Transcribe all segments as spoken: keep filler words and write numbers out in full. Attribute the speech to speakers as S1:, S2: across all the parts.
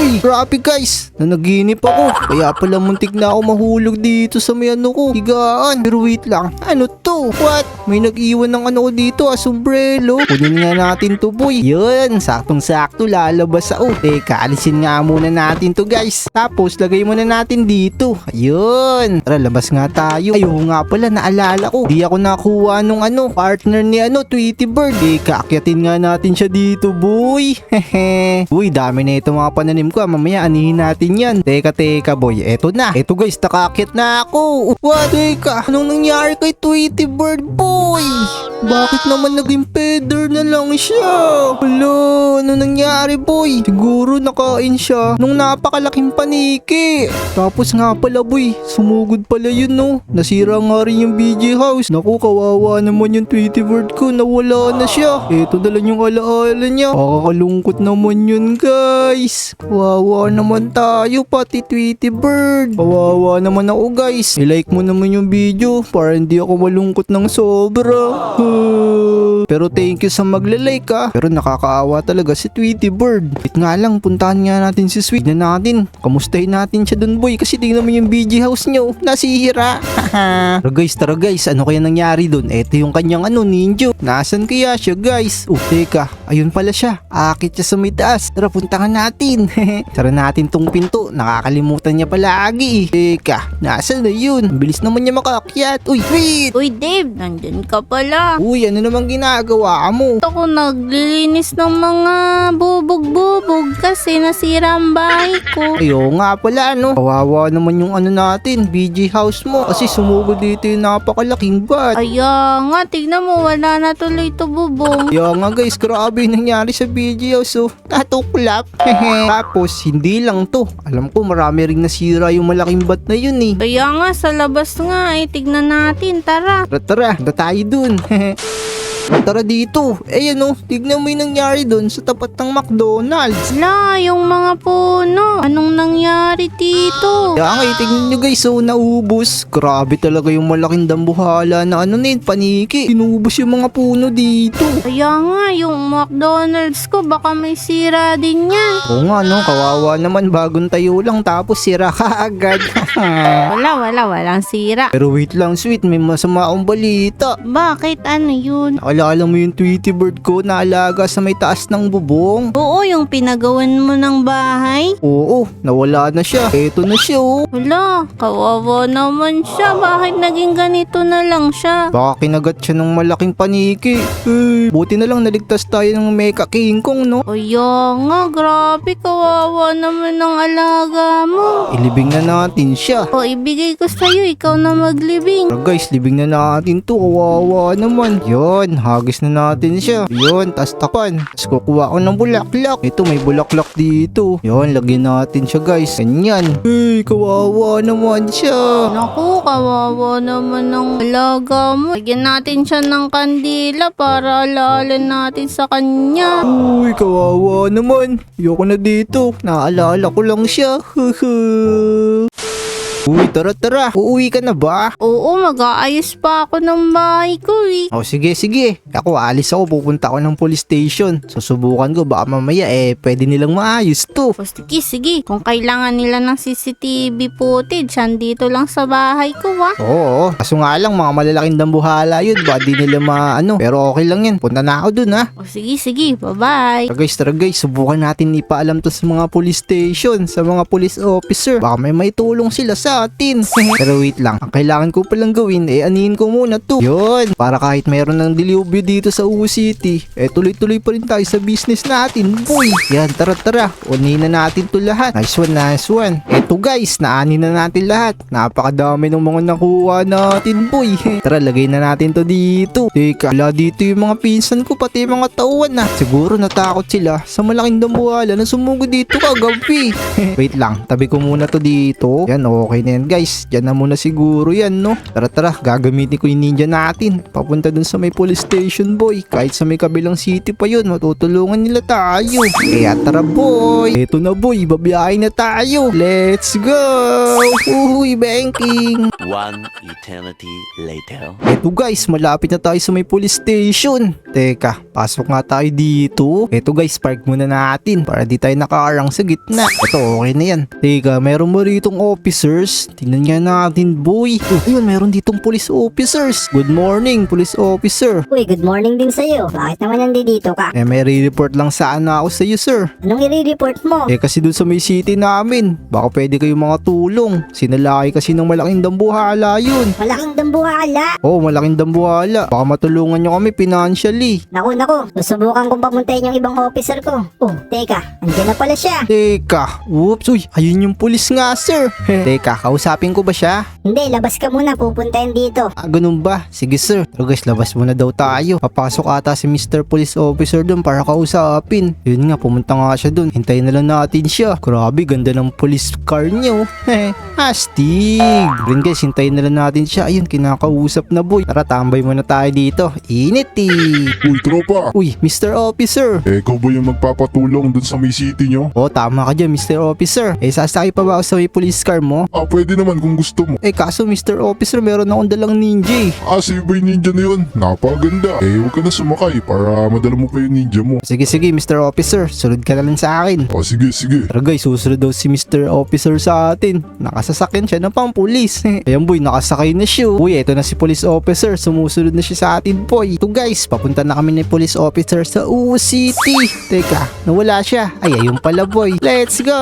S1: Uy, grabe guys. Nanaginip ako. Kaya pala muntik na ako mahulog dito sa may ano ko. Higaan. Pero wait lang. Ano to? What? May nag-iwan ng ano ko dito ah, sombrero. Kunin nga natin to boy. Yun, saktong-sakto lalabas ako. Teka, alisin nga muna natin to guys. Tapos lagay muna natin dito. Ayun. Tara, labas nga tayo. Ayaw nga pala, naalala ko. Di ako nakuha nung ano, partner ni ano, Tweety Bird. Teka, akyatin nga natin siya dito boy. Hehe. Uy, dami na ito mga pananim ko. Mamaya anihin natin yan. Teka, teka boy. Eto na. Eto guys, nakaakyat na ako. What? Teka, anong nangyari kay Tweety Bird boy? Bakit naman naging feather na lang siya? Hello, ano nangyari boy? Siguro nakain siya nung napakalaking paniki. Tapos nga pala boy, sumugod pala yun no. Nasira nga rin yung B J house. Naku, kawawa naman yung Tweety Bird ko. Nawala na siya. Eto na lang yung alaala niya. Nakakalungkot naman yun guys. Kawawa naman tayo pati Tweety Bird. Kawawa naman ako guys. I-like mo naman yung video para hindi ako malungkot ng sobra. Pero thank you sa magla-like ah. Pero nakakaawa talaga si Tweety Bird. Wait nga lang, puntahan nga natin si Sweet na natin. Kamustahin natin siya dun boy kasi tingnan mo yung B G house niyo. Nasihira. Tara guys, tara guys. Ano kaya nangyari dun? Eto yung kanyang ano, ninja. Nasaan kaya siya guys? Oh, teka. Ayun pala siya. Akit siya sa may taas. Tara, puntahan natin. Tara natin tong pinto. Nakakalimutan niya palagi eh. Teka, nasaan na yun? Ang bilis naman niya makaakyat. Uy, Sweet!
S2: Uy Dave, nandyan ka pala.
S1: Uy, ano namang ginagawa mo?
S2: Ako naglilinis ng mga bubog-bubog kasi nasira ang bahay ko.
S1: Ayo nga pala no. Kawawa naman yung ano natin, B G house mo. Kasi sumugod dito yung napakalaking bat.
S2: Kaya nga, tignan mo, wala na tuloy to bubong.
S1: Kaya nga guys, grabe yung nangyari sa B G house oh. Natuklap. Tapos, hindi lang to. Alam ko marami ring nasira yung malaking bat na yun eh.
S2: Kaya nga, sa labas nga eh, tignan natin, tara.
S1: Tara tara, da tayo dun. Tara dito. Eh ano, tignan mo yung nangyari dun sa tapat ng McDonald's.
S2: La, yung mga puno. Anong nangyari dito?
S1: Kaya nga, eh, tignan nyo guys, so naubos. Grabe talaga yung malaking dambuhala na ano nin, paniki. Inubos yung mga puno dito.
S2: Kaya nga, yung McDonald's ko, baka may sira din yan.
S1: Oo nga no, kawawa naman, bagong tayo lang tapos sira ka agad.
S2: Wala, wala, walang sira.
S1: Pero wait lang Sweet, may masama akong balita.
S2: Bakit? Ano yun?
S1: Naalala mo yung Tweety Bird ko na alaga sa may taas ng bubong?
S2: Oo, yung pinagawan mo ng bahay.
S1: Oo, nawala na siya. Eto na siya oh.
S2: Wala, kawawa naman siya. Bakit naging ganito na lang siya?
S1: Baka kinagat siya ng malaking paniki. Eh, buti na lang naligtas tayo ng Mecha King Kong no.
S2: Kaya nga, grabe, kawawa naman ng alaga mo.
S1: Ilibing na natin siya.
S2: O, ibigay ko sa'yo, ikaw na maglibing.
S1: Tara guys, libing na natin to. Kawawa naman. Yon, hagis na natin siya. Yon, tas tapan. Tapos kukuha ko ng bulaklak. Ito, may bulaklak dito. Yon, lagyan natin siya guys. Ganyan. Hey, kawawa naman siya.
S2: Naku, kawawa naman ng alaga mo. Lagyan natin siya ng kandila para alaala natin sa kanya.
S1: Uy, kawawa naman. Ayoko na dito. Naalala ko lang siya. Uy, tara tara. Uuwi ka na ba?
S2: Oo, mag-aayos pa ako ng bahay ko eh.
S1: Oh, sige, sige. Ako, alis ako. Pupunta ako ng police station. Susubukan ko. Baka mamaya, eh, pwede nilang maayos to.
S2: O sige, sige. Kung kailangan nila ng C C T V footage, andito lang sa bahay ko ha.
S1: Oo, kaso nga lang, mga malalaking dambuhala yun. Baka di nila maano. Pero okay lang yan. Punta na ako dun, ha.
S2: O sige, sige. Bye-bye.
S1: Tara guys, tara guys. Subukan natin ipaalam to sa mga police station, sa mga police officer. Baka may maitulong sila sa atin. Pero wait lang. Ang kailangan ko palang gawin, eh, anihin ko muna to. Yun. Para kahit mayroon ng dilubyo dito sa U City, eh, tuloy-tuloy pa rin tayo sa business natin. Boy. Yan, tara, tara. Unin na natin to lahat. Nice one, nice one. Eto guys, naanin na natin lahat. Napakadami ng mga nakuha natin, boy. Tara, lagay na natin to dito. Teka, wala dito yung mga pinsan ko, pati yung mga tauhan na. Siguro natakot sila sa malaking dambuhala na sumugod dito kagabi. Wait lang, tabi ko muna to dito. Yan, okay na yan guys. Diyan na muna siguro yan no. Tara tara, gagamitin ko yung ninja natin. Papunta dun sa may police station boy. Kahit sa may kabilang city pa yun, matutulungan nila tayo. Kaya tara boy. Eto na boy, babiyahin na tayo. Let's go! Uy, banking!
S3: One eternity later.
S1: Eto guys, malapit na tayo sa may police station. Teka, pasok nga tayo dito. Eto guys, park muna natin para di tayo nakaarang sa gitna. Eto, okay na yan. Teka, meron mo ritong officers. Tingnan nga natin boy. Oh, ayun, meron ditong police officers. Good morning, police officer.
S4: Uy, good morning din sa'yo. Bakit naman nandito ka?
S1: Eh, may re-report lang sana ako sa iyo sir.
S4: Anong i-report mo?
S1: Eh kasi dun sa may city namin, baka pwede kayong mga tulong. Sinalaki kasi ng malaking dambuhala yun.
S4: Malaking dambuhala.
S1: Oh, malaking dambuhala. Baka matulungan nyo kami financially.
S4: Naku, naku. Susubukan kong pamuntahin yung ibang officer ko. Oh, teka. Andiyan na pala siya.
S1: Teka, oops, uy, ayun yung pulis nga sir. Teka, kausapin ko ba siya?
S4: Hindi, labas ka muna. Pupuntahin dito.
S1: Ah, ganun ba? Sige sir. Pero guys, labas muna daw tayo. Papasok ata si Mister Police Officer dun para kausapin. Yun nga, pumunta nga siya dun. Hintayin na lang natin siya. Grabe, ganda ng police car niyo. Heh, astig. Rin guys, hintayin na lang natin siya. Ayun, kinakausap na boy. Tara, tambay muna tayo dito. Init eh.
S5: Uy, tropa!
S1: Uy, Mister Officer.
S5: Eh, ikaw ba yung magpapatulong dun sa may city nyo?
S1: Oh, tama ka dyan, Mister Officer. Eh, sasakay pa ba ako sa may police car mo?
S5: Ah, pwede naman kung gusto mo.
S1: Eh, kaso Mister Officer, meron akong dalang ninja eh.
S5: Ah, si ba yung ninja na yun? Napaganda. Eh, huwag ka na sumakay para madala mo pa yung ninja mo.
S1: Sige, sige, Mister Officer. Sunod ka na lang sa akin.
S5: Ah, sige, sige.
S1: Tara guys, susunod daw si Mister Officer sa atin. Nakasasakyan siya ng pang-pulis. Ayan boy, nakasakay na siya. Uy, eto na si Police Officer. Sumusunod na siya sa atin boy. Ito guys, papunta na kami ni Police Officer sa Uwo City. Teka, nawala siya. Ay, ayun pala boy. Let's go!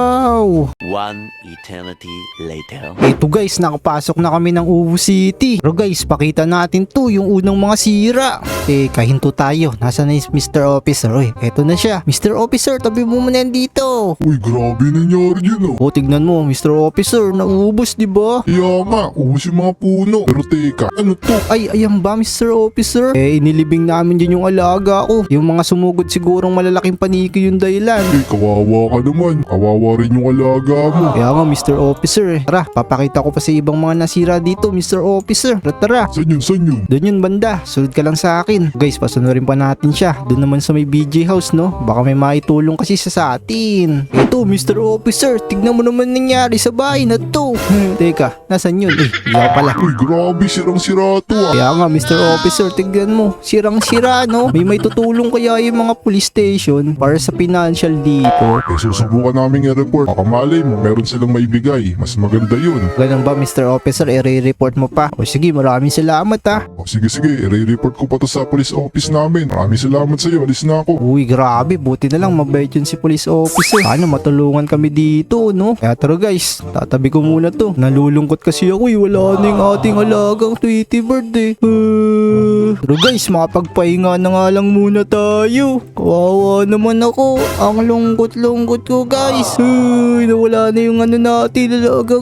S3: One eternity later.
S1: Eto guys, nakapasok na kami ng Uwo City. Pero guys, pakita natin to yung unang mga sira. Teka, hinto tayo. Nasaan na yung Mister Officer? Uy, eto na siya. Mister Officer, tabi mo muna yan dito.
S5: Uy, grabe nangyari yun oh.
S1: O, tignan mo, Mister Officer, naubos, di ba?
S5: Kaya nga, ubus yung mga puno. Pero teka, ano to?
S1: Ay, ayan ba, Mister Officer? Eh, inilibing namin dyan yung alaga ko. Yung mga sumugod sigurong malalaking paniki yung dahilan.
S5: Eh, kawawa ka naman. Kawawa rin yung alaga mo.
S1: Kaya nga, Mister Officer eh. Tara, papakita ko pa sa ibang mga nasira dito, Mister Officer. Tara, tara.
S5: San yun, san yun?
S1: Doon yun banda, sunod ka lang sa akin. Guys, pasunurin pa natin siya. Doon naman sa may B J house, no? Baka may maitulong kasi siya sa atin. Ito, Mister Officer, tignan mo naman nangyari sa bahay na to. Teka, nasan yun? Eh, iyaw pala.
S5: Uy, grabe, sirang-sira to ah.
S1: Kaya nga, Mister Officer, tignan mo. Sirang-sira, no? May may tutulong kaya yung mga police station para sa financial dito.
S5: Eh, susubukan namin i-report. Baka malay mo, meron silang maibigay. Mas maganda yun.
S1: Ganun ba, Mister Officer? I-report mo pa. O sige, maraming salamat ha.
S5: O, sige, sige, i-report ko pa to sa police office namin. Maraming salamat sa'yo. Alis na ako.
S1: Uy, grabe. Buti na lang mabait yun si police officer. Paano matulungan kami dito, no? Kaya tara guys, tatabi ko muna to. Nalulungkot kasi ako eh. Wala na yung ating alagang Tweety Bird eh. Uh, pero guys, makapagpahinga na nga lang muna tayo. Kawawa naman ako. Ang lungkot-lungkot ko guys. Uy, nawala na yung ano natin, alagang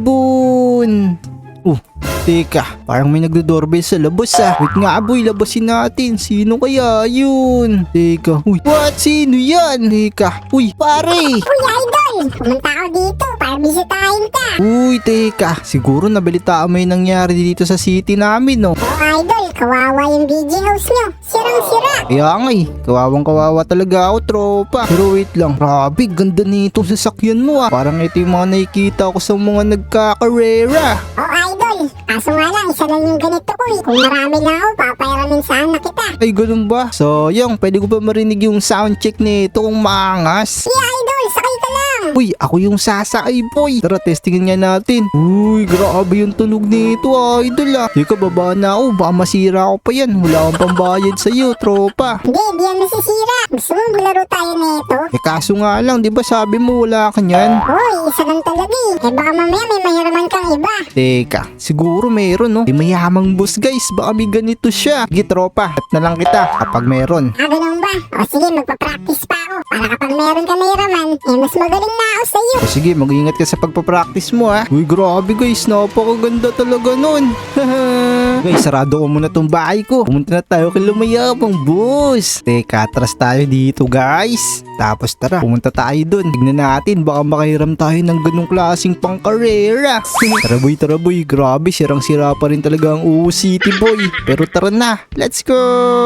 S1: ibon. Uh, teka, parang may nagdo-doorbell sa labas ah. Wait nga boy, labasin natin. Sino kaya yun? Teka, uy, what? Sino yan? Teka, uy, pare.
S4: Uy, idol! Pumunta ako dito para bisitahin ka.
S1: Uy, teka, siguro nabalitaan mo yung nangyari dito sa city namin, no?
S4: Oh, idol, kawawa yung B J house nyo. Sirang-sira.
S1: Kaya nga eh, kawawang kawawa talaga ako, tropa. Pero wait lang, grabe, ganda nito sa sasakyan mo ah. Parang ito yung mga nakikita ko sa mga nagkakarera.
S4: Oh, idol, kaso nga lang, isa lang yung ganito ko eh. Kung marami lang ako, papayaramin sana kita.
S1: Ay, ganun ba? Sayang, pwede ko ba marinig yung sound check nito kung maangas?
S4: Sige, idol, sakay ka lang.
S1: Uy, ako yung sasakay boy. Tara, testingin nga natin. Uy, grabe yung tunog nito idol ah. Teka, baba na ako. Baka masira ako pa yan. Wala akong pambayad sa'yo, tropa.
S4: Hindi, di yan masisira. Gusto mo malaro tayo nito?
S1: Eh kaso nga lang, di ba sabi mo wala ka nyan?
S4: Uy, isa lang talaga eh. Eh baka mamaya may mahiraman kang iba.
S1: Teka, siguro meron no. Di mayamang boss guys. Baka may ganito siya. Sige tropa, at na lang kita kapag meron.
S4: Ah, ganun ba? O sige, magpa-practice pa ako. Para kapag meron ka mahiraman, eh mas magaling na ako sa'yo.
S1: O sige, mag-ingat ka sa pagpapractice mo ha. Uy, grabe guys, napakaganda talaga nun. Guys, sarado ko muna tong bahay ko. Pumunta na tayo kay Lumayabang Boss. Teka, atras tayo dito guys. Tapos tara, pumunta tayo dun. Tignan natin, baka makahiram tayo ng ganong klaseng pangkarera. Tara boy, tara boy, grabe, sirang-sira pa rin talaga ang U City boy. Pero tara na, let's go!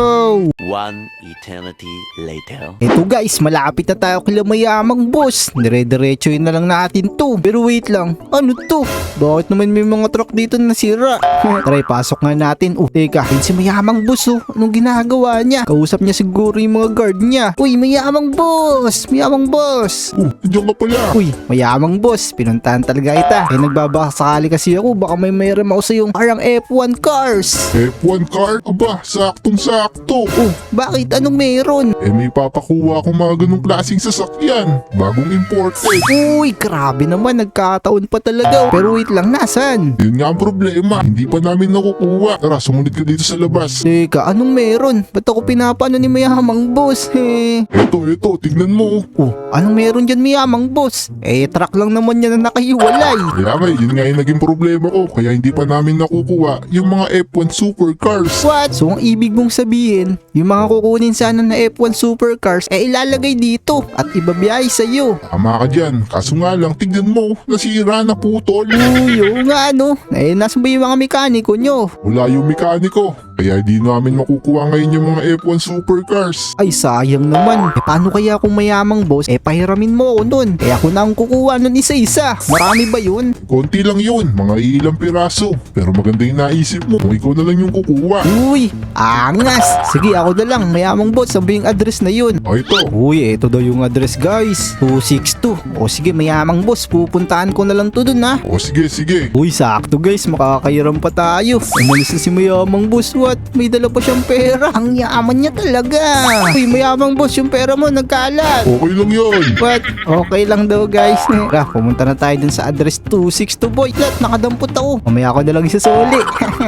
S3: One eternity later.
S1: Eto guys, malapit na tayo kay Lumayamang Boss. Dire-diretso yun na lang natin to. Pero wait lang, ano to? Bakit naman may mga truck dito na nasira? Tara, pasok nga natin. Oh, teka, yun si Mayamang Boss oh. Anong ginagawa niya? Kausap niya siguro yung mga guard niya. Uy, Mayamang Boss! Mayamang Boss!
S5: Oh, nandiyan ka pala.
S1: Uy, Mayamang Boss, pinuntahan talaga kita. Eh, nagbabakasakali kasi ako, baka may mayroon ako sa yung parang F one cars.
S5: F one car? Aba, saktong-sakto.
S1: Oh, bakit? Anong meron?
S5: Eh, may papakuha akong mga ganong klaseng sasakyan. Bagong imported.
S1: Uy, grabe naman, nagkataon pa talaga. Pero wait lang, nasan?
S5: Yun nga ang problema. Hindi pa namin nakukuha. Tara, sumunod ka dito sa labas.
S1: Teka, anong meron? Ba't ako pinapano ni Mayamang Boss? Eh,
S5: Eto, eto, tignan mo.
S1: oh, anong meron dyan Mayamang Boss? Eh, truck lang naman yan na nakahiwalay.
S5: Kaya nga, yun nga yung naging problema ko. Kaya hindi pa namin nakukuha yung mga F one supercars.
S1: What? So, ang ibig mong sabihin, yung mga kukunin sana na F one supercars, eh ilalagay dito at ibabiyahe sa'yo.
S5: Tama ka dyan. Kaso nga lang, tignan mo. Nasira na putol.
S1: Uy, oo nga ano. Eh, nasan ba yung mga mekaniko nyo?
S5: Wala yung mekaniko. Kaya di namin makukuha ngayon yung mga F one supercars.
S1: Ay, sayang naman. Eh, paano kaya kung Mayamang Boss? Eh, pahiramin mo ako nun. Eh, ako na ang kukuha nun isa-isa. Marami ba yun?
S5: Konti lang yun. Mga ilang piraso. Pero maganda yung naisip mo. Kung ikaw na lang yung kukuha.
S1: Uy, angas. Sige, ako na lang. Mayamang Boss, sabi yung address na yun.
S5: O ito.
S1: Uy, eto daw yung address guys. two six two. O sige, Mayamang Boss, pupuntahan ko na lang to dun ha.
S5: O sige, sige.
S1: Uy, sakto guys, makakairam pa tayo. Umalis na si Mayamang Boss, what? May dala pa siyang pera. Ang yaman niya talaga. Uy, Mayamang Boss, yung pera mo nagkalat.
S5: Okay lang yun.
S1: What? Okay lang daw guys. Tara, pumunta na tayo dun sa address two six two boy. Lat, nakadampot ako. Mamaya ko na lang isasuli.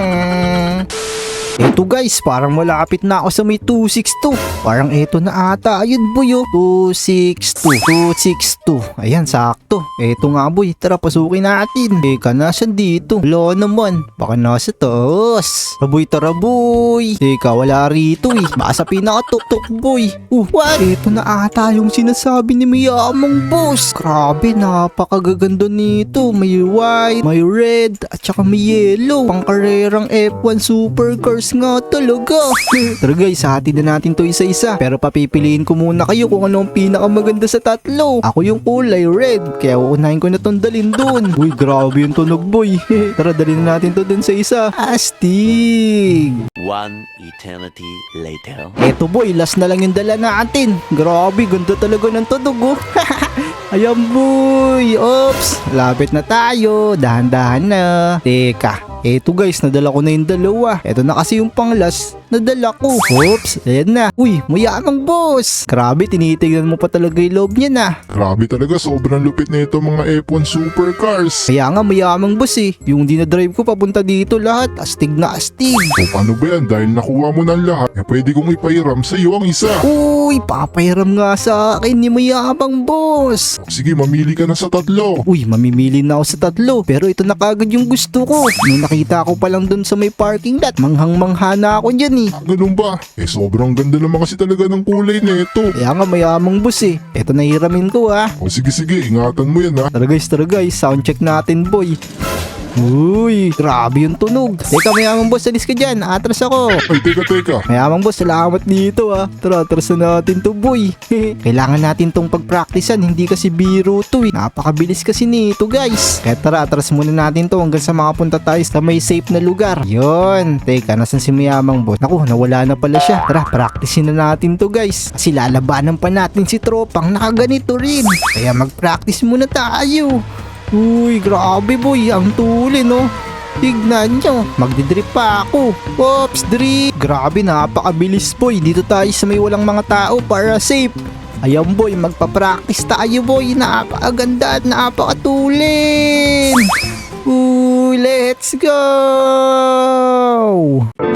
S1: Eto guys, parang malapit na ako sa may two six two. Parang eto na ata. Ayun boy oh. two six two. two six two. Ayan, sakto. Eto nga boy. Tara, pasukin natin. Teka, nasan dito? Wala naman. Baka nasa taas. Boy, tara boy. Teka, wala rito eh. Baka sa pinakatuktok boy. Uh, what? Eto na ata yung sinasabi ni Mayamang Boss. Grabe, napakagaganda nito. May white, may red, at saka may yellow. Pangkarerang F one supercars nga talaga. Tara guys, hati na natin to isa-isa. Pero papipiliin ko muna kayo kung ano ang pinakamaganda sa tatlo. Ako yung kulay red, kaya uunahin ko na tong dalin dun. Uy, grabe yung tunog boy. Tara, dalhin na natin to dun sa isa. Astig!
S3: One eternity later.
S1: Eto boy, last na lang yung dala natin. Grabe, ganda talaga ng tunog oh. Ayan boy. Oops, lapit na tayo. Dahan-dahan na. Teka, eto guys, nadala ko na yung dalawa. Eto na kasi yung pang-last nadala ko. Oops, ayan na. Uy, Mayamang Boss. Grabe, tinitignan mo pa talaga yung loob niya na.
S5: Grabe talaga, sobrang lupit na ito mga F one supercars.
S1: Kaya nga Mayamang Boss eh. Yung dinadrive ko papunta dito lahat. Astig na astig.
S5: O paano ba yan? Dahil nakuha mo ng lahat, eh pwede kong ipahiram sa iyo ang isa.
S1: Uy, papahiram nga sa akin ni Mayamang Boss.
S5: Sige, mamili ka na sa tatlo.
S1: Uy, mamimili na ako sa tatlo. Pero ito na kagad yung gusto ko. Nung nakita ko pa lang dun sa may parking lot, manghang-mangha na ako dyan eh.
S5: Ah, ganun ba? Eh sobrang ganda naman kasi talaga ng kulay na ito.
S1: Kaya nga Mayamang Boss eh. Ito na hiramin ko ha.
S5: O sige sige, ingatan mo yan ha.
S1: Tara guys, tara guys. Sound check natin boy. Uy, grabe yung tunog. Teka Mayamang Boss, alis ka dyan. Atras ako.
S5: Ay, teka teka.
S1: Mayamang Boss, salamat dito ah. Tara, atras na natin to boy. Kailangan natin tong pagpraktisan. Hindi kasi biro to eh. Napakabilis kasi nito guys. Kaya tara, atras muna natin to hanggang sa makapunta tayo sa may safe na lugar. Yun. Teka, nasan si Mayamang Boss? Naku, nawala na pala siya. Tara, praktisin na natin to guys. Kasi lalabanan pa natin si tropang nakaganito rin. Kaya mag-practice muna tayo. Uy, grabe boy, ang tuli no. Tignan nyo, magdidrip pa ako. Oops, drip. Grabe, napakabilis boy. Dito tayo sa may walang mga tao para safe. Ayan boy, magpa-practice tayo boy. Napakaganda at napakatulin. Uy, let's go!